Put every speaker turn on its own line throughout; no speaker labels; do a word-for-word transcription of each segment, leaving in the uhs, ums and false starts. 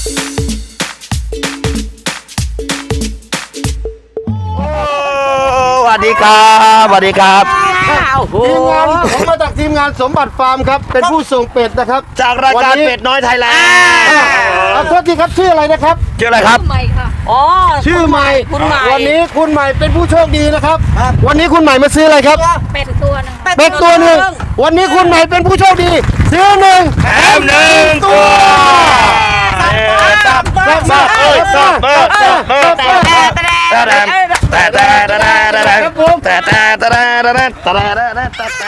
สวัสดีครับสวัสดีครับ
ทีมงานผมมาจากทีมงานสมบัติฟาร์มครับเป็นผู้ส่งเป็ดนะครับ
จากรายการเป็ดน้อยไทยแลนด์
ขอโทษทีครับชื่ออะไรนะครับ
ชื่ออะไรครับ
ใหม่ค่ะอ๋อ
ชื่อใหม่
คุณใหม่
วันนี้คุณใหม่เป็นผู้โชคดีนะครับวันนี้คุณใหม่มาซื้ออะไรครับ
เป็ดตัวนึง
เป็ดตัวหนึ่งวันนี้คุณใหม่เป็นผู้โชคดีซื้อหนึ่ง
แถมหนึ่งตัว
ซับซับซับซับซับซับ
แต่แต่แต่แต่แต่แต่แต่แต่แต่แต่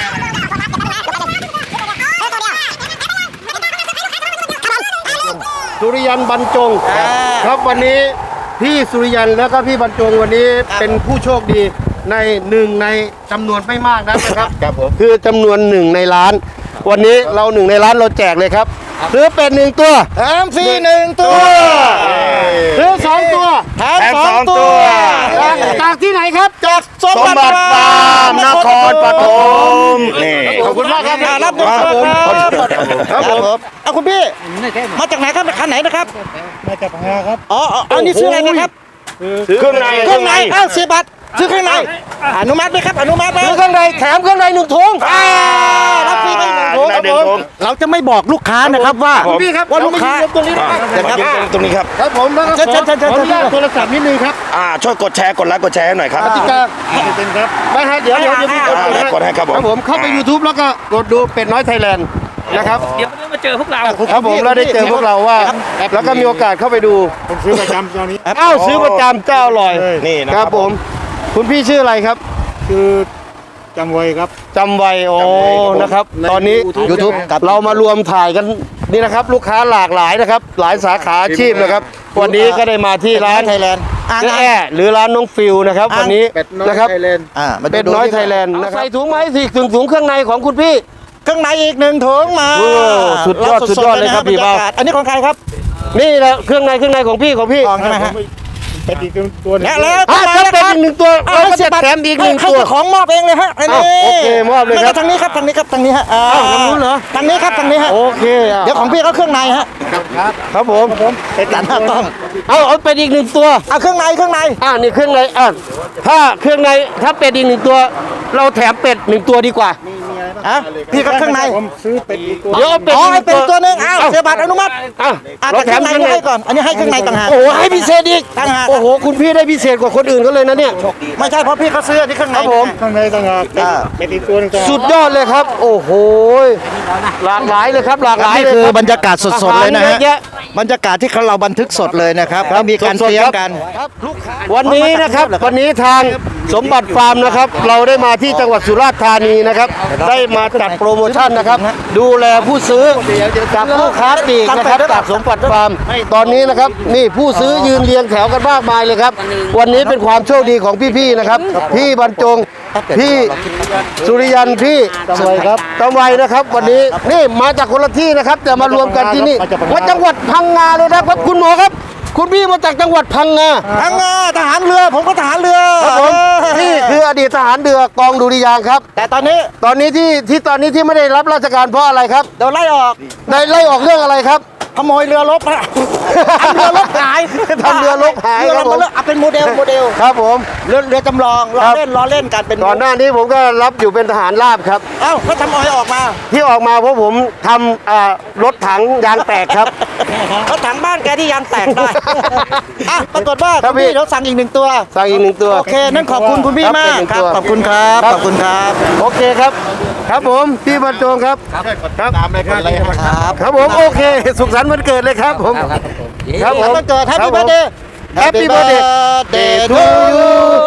สุริยันบรรจงครับวันนี้พี่สุริยันแล้วก็พี่บรรจงวันนี้เป็นผู้โชคดีในหนึ่งในจำนวนไม่มากนะครับครับผมคือจำนวนหนึ่งในล้านวันนี้เราหนึ่งในล้านเราแจกเลยครับซื้อเป็ดหนึ่งตัว
แถมฟรีหนึ่งตัว
ซื้อสองตัว
แถมสองตัว
จากที่ไหนครับ
จากสม
สมบัติฟาร์มนครปฐมนี่
ขอบคุณมากครับ
รับด้วยครับผมครับผมเอาคุณพี่มาจากไหนครับคันไหนนะครับ
มาจากพังงาครับ
อ๋ออันนี้ซื้ออะไรนะครับ
เครื่องใน
เครื่องในอ้าวสิบบาทซื้อเครื่องในอนุมัติไหมครับอนุมัติไหม
ซื้อเครื่องในแถมเครื่องในหนึ่งถุง
รับฟรีไปหนึ่งถุงครับผมเราจะไม่บอกลูกค้านะครับว่า
พี่ครับ
ว่าลูกค้า
ตรงนี้นะครับ
ตรงนี้ครับ
ครับผมแล้วก็ขอขออนุญาตโทรศัพท์นิดนึงครับ
อ่าช่วยกดแชร์กดไลค์กดแชร์ให้หน่อยครับ
กติกาเป็นครับไม่ฮะเดี๋ยวเดี๋ยวพี่กด
กดให้ครับผม
ครับผมเข้าไป ยูทูบ แล้วก็กดดูเป็ดน้อยไทยแลนด์นะครับ
เดี๋ยวมาเจอพวกเรา
ครับผมแล้วได้เจอพวกเราว่าแล้วก็มีโอกาสเข้าไปดูผมซื้อประจำตอนนี้อ้าวซื้อประจำเจ้าอร่อย
นี่นะครับ
ผมคุณพี่ชื่ออะไรครับ
คือจำไว้ครับ
จำไว้โอ้นะครับตอนนี้ ยูทูบ เรามารวมถ่ายกันนี่นะครับลูกค้าหลากหลายนะครับหลายสาขาอาชีพนะครับวันนี้ก็ได้มาที่ร้าน
ไทยแลนด์
เจ๊แอ่หรือร้านน้องฟิวนะครับวันนี้นะครับ
เป็ด
น้อยไทยแลนด์ใส่ถุงไม้สี่ถุงถุงเครื่องในของคุณพี่
เครื่องในอีกหนึ่งถุงมา
สุดยอดสุดยอดเลยครับพี่บ่าว
อันนี้ของใครครับ
นี่แหละเครื่องในเครื่องในของพี่ของพี่
ใช่ไหมฮะ
เป็ดอีกตัวนึง
แล้ว
ถ้าเป็นอีกหนึ่งตัวเราก็จะแถมอีกหนึ่งตัว
ของมอบเองเลยฮะอันนี้
โอเคมอบเลยครับ
ทางนี้ครับทางนี้ครับทางนี้ฮะ
อ้าวทางนู้นเหรอ
ทางนี้ครับทางนี้ฮะ
โอเค
เดี๋ยวของพี่เขาเครื่องในฮะ
ครับครับผม
เป็ดหน้าต้อง
เอาเอาเป็ดอีกหนึ่งตัว
เอาเครื่องในเครื่องใน
อ่านี่เครื่องในอ่ะถ้าเครื่องในถ้าเป็ดอีกหนึ่งตัวเราแถมเป็ดหนึ่งตัวดีกว่า
อ่ะพี่ก็เครื่องใน
ผมซื้อเป็ดอีกตัว
เดี๋ยวเป็ด
อ๋อให้เป็ดตัวนึงอ้าวเสียบัตรอนุมัติ
อ่ะ
เราแถมเครื่องในให้ก่อนอันนี้ให้เครื่องในต่างหาก
โอ้ให้พิเศษอีก
ต่างหาก
โอ้โหคุณพี่ได้พิเศษกว่าคนอื่นก็เลยนะเนี่ย
ไม่ใช่เพราะพี่เขาซื้อที่เครื่องใน
ผม
ข้างในต่างหากเป็ดอีกตัวนึง
สุดยอดเลยครับโอ้โหหลากหลายเลยครับหลากหลาย
นี่คือบรรยากาศสดๆเลยนะฮะบรรยากาศที่เราบันทึกสดเลยนะครับแล้วมีการเตรียมกัน
วันนี้นะครับวันนี้ทางสมบัติฟาร์มนะครับเราได้มาที่จังหวัดสุราษฎร์ธานีนะครับได้มาจัดโปรโมชั่นนะครับดูแลผู้ซื้อจากผู้ค้าปลีกนะครับจากสมบัติฟาร์มตอนนี้นะครับนี่ผู้ซื้อยืนเรียงแถวกันมากมายเลยครับวันนี้เป็นความโชคดีของพี่ๆนะครับพี่บรรจงพี่สุริยันพี่
จำไว้ครับ
จำไว้นะครับวันนี้นี่มาจากคนละที่นะครับแต่มารวมกันที่นี่มาจังหวัดพังงาเลยนะครับคุณหมอครับคุณพี่มาจากจังหวัดพังงา
พังงาทหารเรือผมก็ทหารเรือ
ครับผมนี่คืออดีตทหารเรือกองดุริยางค์ครับ
แต่ตอนนี้
ตอนนี้ที่ที่ตอนนี้ที่ไม่ได้รับราชการเพราะอะไรครับ
โดนไล่ออก
ได้ไล่ออกเรื่องอะไรครับ
ขโมยเรือรบฮะทำเรือรบหาย
ทำเรือรบหายครับผม
เอาเป็นโมเดลโมเดล
ครับผม
เรือเรือจำลองล้อเล่นล้อเล่นกันเป็น
ก่อนหน้านี้ผมก็รับอยู่เป็นทหารราบครับ
เอ้าก็ทำออยออกมา
ที่ออกมาเพราะผมทำรถถังยางแตกครับ
รถถังบ้านแกที่ยางแตกได้อ่ะปรากฏว่าคุณพี่เราสั่งอีกหนึ่งตัว
สั่งอีกหนึ่งตัว
โอเคนั่นขอบคุณคุณพี่มากครับขอบคุณครับขอบคุณครับ
โอเคครับครับผมพี่บรรจงครับ
ครับตามเลยครับ
ครับผมโอเคสุขสันต์วันเกิดเลยครับผม
ครับผมวันเกิดแฮปปี้เบิร์ธเดย์
Happy birthday
to you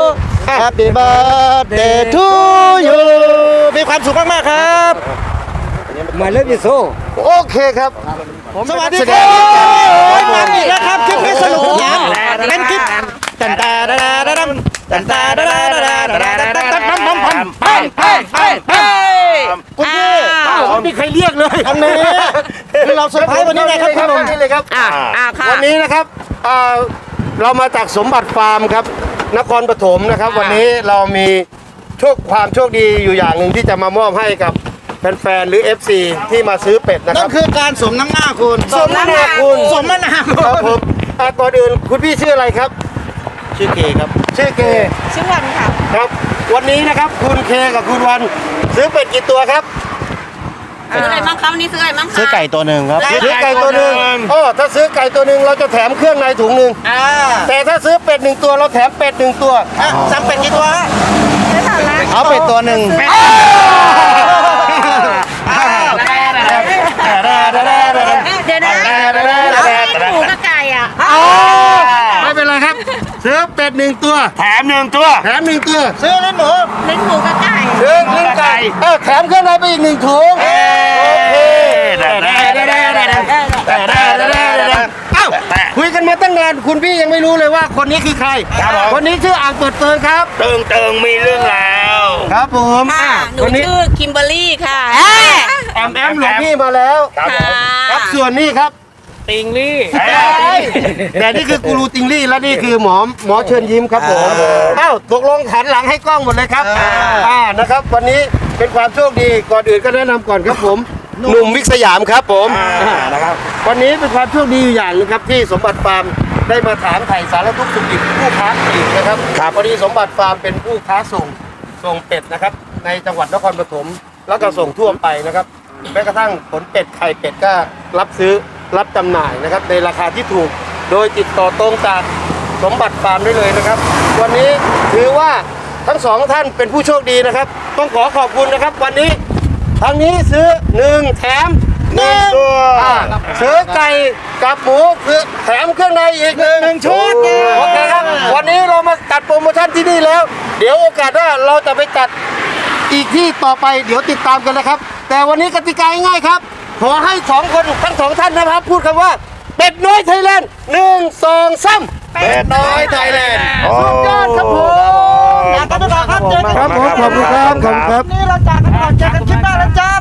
Happy birthday to you มีความสุขมากๆครับ
มาเล่นดิโซ
โอเคครับ
สวัสดีครับมาอีกแล้วครับคลิปนี้สนุกสนานเป็นคลิปตันตาดาดาดัมตันตาดาดาดาดาดาดาดัมดัมดัมพันไปไปไปไปคุณพี่
ไม่มีใครเรียกเลย
อันนี้คือเราเซอร์ไพรส์วันนี้ไงครับคุณหนุ่ม
นี่เลยครับวันนี้นะครับเรามาจากสมบัติฟาร์มครับนครปฐมนะครับวันนี้เรามีโชคความโชคดีอยู่อย่างหนึ่งที่จะมามอบให้กับแฟนๆหรือ เอฟ ซี ที่มาซื้อเป็ดนะค
นั่
รั
น
บ
คือการสมน้ำหน้าคุณ
สมน้ำหน้าคุณ
สมน้ำหน้าคุ
ครับ
ณ
ผมอ่ะก่อนอื่นคุณพี่ชื่ออะไรครับ
ชื่อเคครับ
ชื่อเก
ชื่อวันค่ะ
ครับ วันนี้นะครับคุณเคกับคุณวันซื้อเป็ดกี่ตัวครับ
ซื้ออะไรบ้างครับนี่ซื้ออะไรบ้างคะ
ซื้อไก่ตัวหนึ่งครับ
ซื้อไก่ตัวหนึ่งอ๋อถ้าซื้อไก่ตัวหนึ่งเราจะแถมเครื่องในถุงหนึ่ง
อ่า
แต่ถ้าซื้อเป็ดหนึ่งตัวเราแถมเป็ดหนึ่งตัว
อ่ะสั่งเป็ดกี่ตัวฮะ
ซื้อสามล้าน
เอาเป็ดตัวหนึ่ง
เดี๋ยวนะหมูกับไก่อ่ะ
ไม่เป็นไรครับซื้อเป็ดหนึ่งตัว
แถมหนึ่งตัว
แถมหนึ่งตัว
ซื้อลิ้นหมู
เล่นหมูกับไก่
ซื้อลิ้นไก่เออแถมเครื่องในไปอีกหนึ่งถุงโอเคเอ้าคุยกันมาตั้งนานคุณพี่ยังไม่รู้เลยว่าคนนี้คือใคร
ครับผม
คนนี้ชื่ออ่างเปิดเปิงครับ
เติงเติงมีเรื่องแล้ว
ครับผม
ค่ะหนู
คนนี้
ชื่อคิมเบอร์รี่ค่ะ
แอมแอมหลวงพี่มาแล้ว
ครับผม
ครับส่วนนี้ครับ
ติงลี่
แต่นี่คือกูรูติงลี่และนี่คือหมอหมอเชิญยิ้มครับผมเอ้าตกลงหันหลังให้กล้องหมดเลยครับอ่านะครับ วันนี้เป็นความโชคดีก่อนอื่นก็แนะนำก่อนครับผมหนุ่มวิกสยามครับผมนะครับวันนี้เป็นความโชคดีอยู่อย่างหนึงครับที่สมบัติฟาร์มได้มาถามไถ่สารทุกข์สุขดิบผู้ค้าปลีกนะครับวันนี้สมบัติฟาร์มเป็นผู้ค้าส่งส่งเป็ดนะครับ ในจังหวัดนครปฐมแล้วก็ส่งทั่วไปนะครับแม้กระทั่งผลเป็ดไข่เป็ดก็รับซื้อรับจำหน่ายนะครับในราคาที่ถูกโดยติดต่อตรงจากสมบัติฟาร์มได้เลยนะครับ วันนี้ถือว่าทั้งสองท่านเป็นผู้โชคดีนะครับ ต้องขอขอบคุณนะครับ วันนี้ทางนี้ซื้อหนึ่งแถมหนึ่งอ่าซื้อไก่กับหมูคือแถมเครื่องในอีกหนึ่งหนึ่งชุดโอเคครับวันนี้เรามาจัดโปรโมชั่นที่นี่แล้ว เดี๋ยวโอกาสหน้าเราจะไปจัดอีกที่ต่อไปเดี๋ยวติดตามกันนะครับ แต่วันนี้กติกาง่ายๆครับ ขอให้สองคนทั้งสองท่านนะครับ พูดคำว่าเป็ดน้อยไทยแลนด์หนึ่งสองสามเป็ดน้อยไทยแลนด์สุดยอดครับผม
จากกันไปก่อนครับเจอกัน
ครับผมขอบคุณครับขอบคุณครับ
นี่เราจากกันก่อนเจอกันคลิปหน้าแล้วจ้า